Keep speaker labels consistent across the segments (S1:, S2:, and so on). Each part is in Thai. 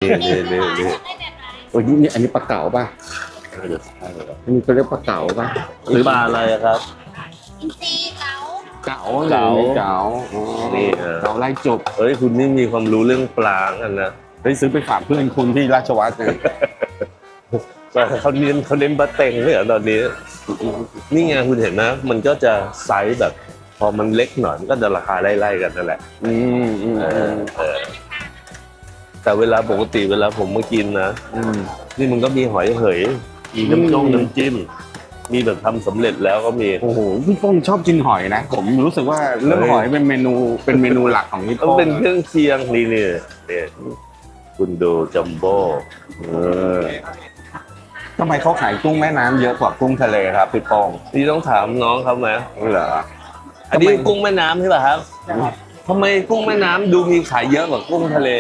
S1: นี่โอ้ยนี่อันนี้ปลาเก๋าป่ะอันนี้เขาเรียกปลาเก๋าป่ะ
S2: หรือปลาอะไรครับ
S3: อินทรีเก๋า
S1: เก๋า
S2: เก๋า
S1: เก๋าอ๋อ
S2: นี่
S1: เก๋าไล่จบ
S2: เฮ้ยคุณนี่มีความรู้เรื่องปลากันนะ
S1: เฮ้ยซื้อไปฝากเพื่อนคุณที่ราชวัฒน์เนี่ย
S2: เขาเน้นปลาเต็งเลยเหรอตอนนี้นี่ไงคุณเห็นนะมันก็จะไซส์แบบ พอมันเล็กหน่อยมันก็จะราคาไล่ๆกันนั่นแหละแต่เวลาปกติเวลาผมมากินนะนี่มันก็มีหอยเหยมีน้ำจิ้มมีแบบทำสำเร็จแล้วก็มี
S1: โอ้โหพี่ป้องชอบกินหอยนะผมรู้สึกว่าเรื่องหอยเป็นเมนูหลักของพี่
S2: ต้อ
S1: ป้
S2: ง
S1: อง
S2: เป็นเครื่องเคียงนี่คุณดูจัมโบ้
S1: ทำไมเขาขายกุ้งแม่น้ำเยอะกว่ากุ้งทะเลครับพี่ป้อง
S2: นี่ต้องถามน้องเขาไหม
S1: เหรอ
S2: อันนี้กุ้งแม่น้ำใช่ป่ะครับทำไมกุ้งแม่น้ำดูมีขายเยอะกว่ากุ้งทะเล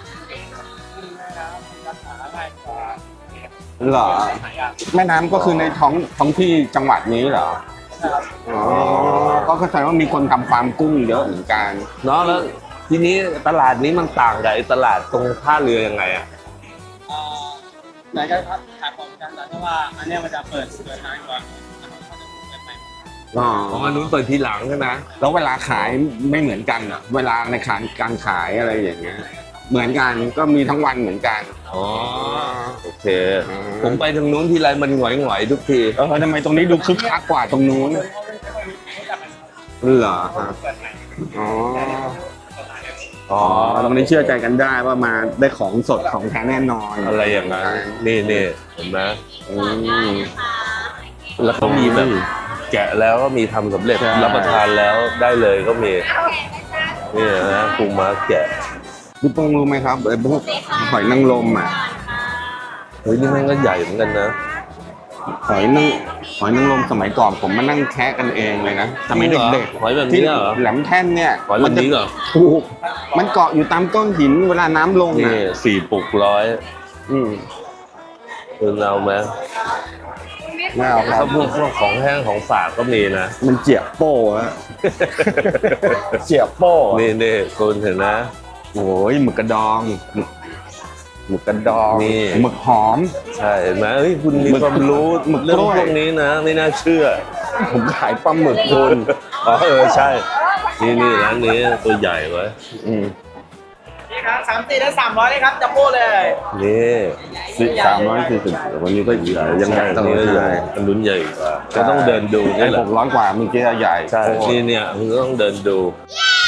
S1: เหรอแม่น้ำก็คือในท้องที่จังหวัดนี้เหรออ๋อก็เข้าใจว่ามีคนทำฟาร์มกุ้งเยอะเหมือนกัน
S2: เนาะแล้วทีนี้ตลาดนี้มันต่างกับไอ้ตลาดตรงท่าเรือยังไงอ่ะ
S4: ไหนก็ครับขายของกันแต่ว่าอันเนี้ยมันจะเปิดนานกว่าเขาจะเปิดใหม่
S1: อ๋อ
S2: ของอันนู้นเปิดทีหลังใช่ไหม
S1: แล้วเวลาขายไม่เหมือนกันเหรอเวลาในการขายอะไรอย่างเงี้ยเหมือนกันก็มีทั้งวันเหมือนกัน
S2: อ๋อโอเค ผมไปทางนู้นทีไรมันหงอยๆทุกที
S1: ทำไมตรงนี้ดูคึกคักกว่าตรงนู้นเหรอครับอ๋ออ๋อตรงนี้เชื่อใจกันได้ว่ามาได้ของสดของแท้แน่นอน
S2: อะไรอย่างนั้นนี่เห็นไหม
S1: อืม
S2: แล้วเขามีแบบแกะแล้วก็มีทำสำเร็จ
S1: ใช่
S2: รับประทานแล้วได้เลยก็มีนี่นะปูม้าแกะ
S1: พี่ป้องรู้ไหมครับไอ้พวกหอยนางรมอ่ะ
S2: เฮ้ยนี่มันก็ใหญ่เหมือนกันนะ
S1: หอยนางรมสมัยก่อนผมมานั่งแคะกันเองเลยนะสมัยเด็ก
S2: หอยแบบ
S1: ๆที่
S2: นี้เหรอ
S1: แหลมแท่นเนี่ย
S2: หอยแบบนี้เหรอ
S1: ถูกมันเกาะอยู่ตามก้อนหินเวลาน้ำลง
S2: นี่
S1: อ่ะ
S2: 4 ปุกร้อย
S1: อืม
S2: คุณเอาไหม
S1: ไม่เอาครั
S2: ถ้า
S1: บ
S2: พวกของแห้งของฝากก็มีนะ
S1: มันเจียบโป้ฮะ เจียบโป้
S2: นี่คุณเห็นนะ
S1: โอ้ยหมึกกระดองหมึกกระดอง
S2: นี่
S1: หมึกหอม
S2: ใช่เห็นไหมเฮ้ยคุณมีความรู้
S1: หมึก
S2: เรื่อง
S1: กล้วย
S2: พวกนี้นะ ไม่น่าเชื่อ
S1: ผมขายปลาหมึกคุณ
S2: อ๋อใช่ นี่ร้านนี้ตัวใหญ่ไว้
S1: อืม
S4: นี่ครับ3-4ได้300เลยครับจับโป้เลย
S2: นี่
S1: 340วันนี้ก็ใหญ่ยัง
S2: ใช่
S1: ใหญ่
S2: อันนี้ก็ใหญ่อันนู้นใหญ่กว่าก็ต้องเดินดู
S1: ไอ้
S2: นี่แหละ
S1: 600 กว่าเมื่อกี้ใหญ่
S2: ใช่นี่คุณก็ต้องเดินดู
S3: เย้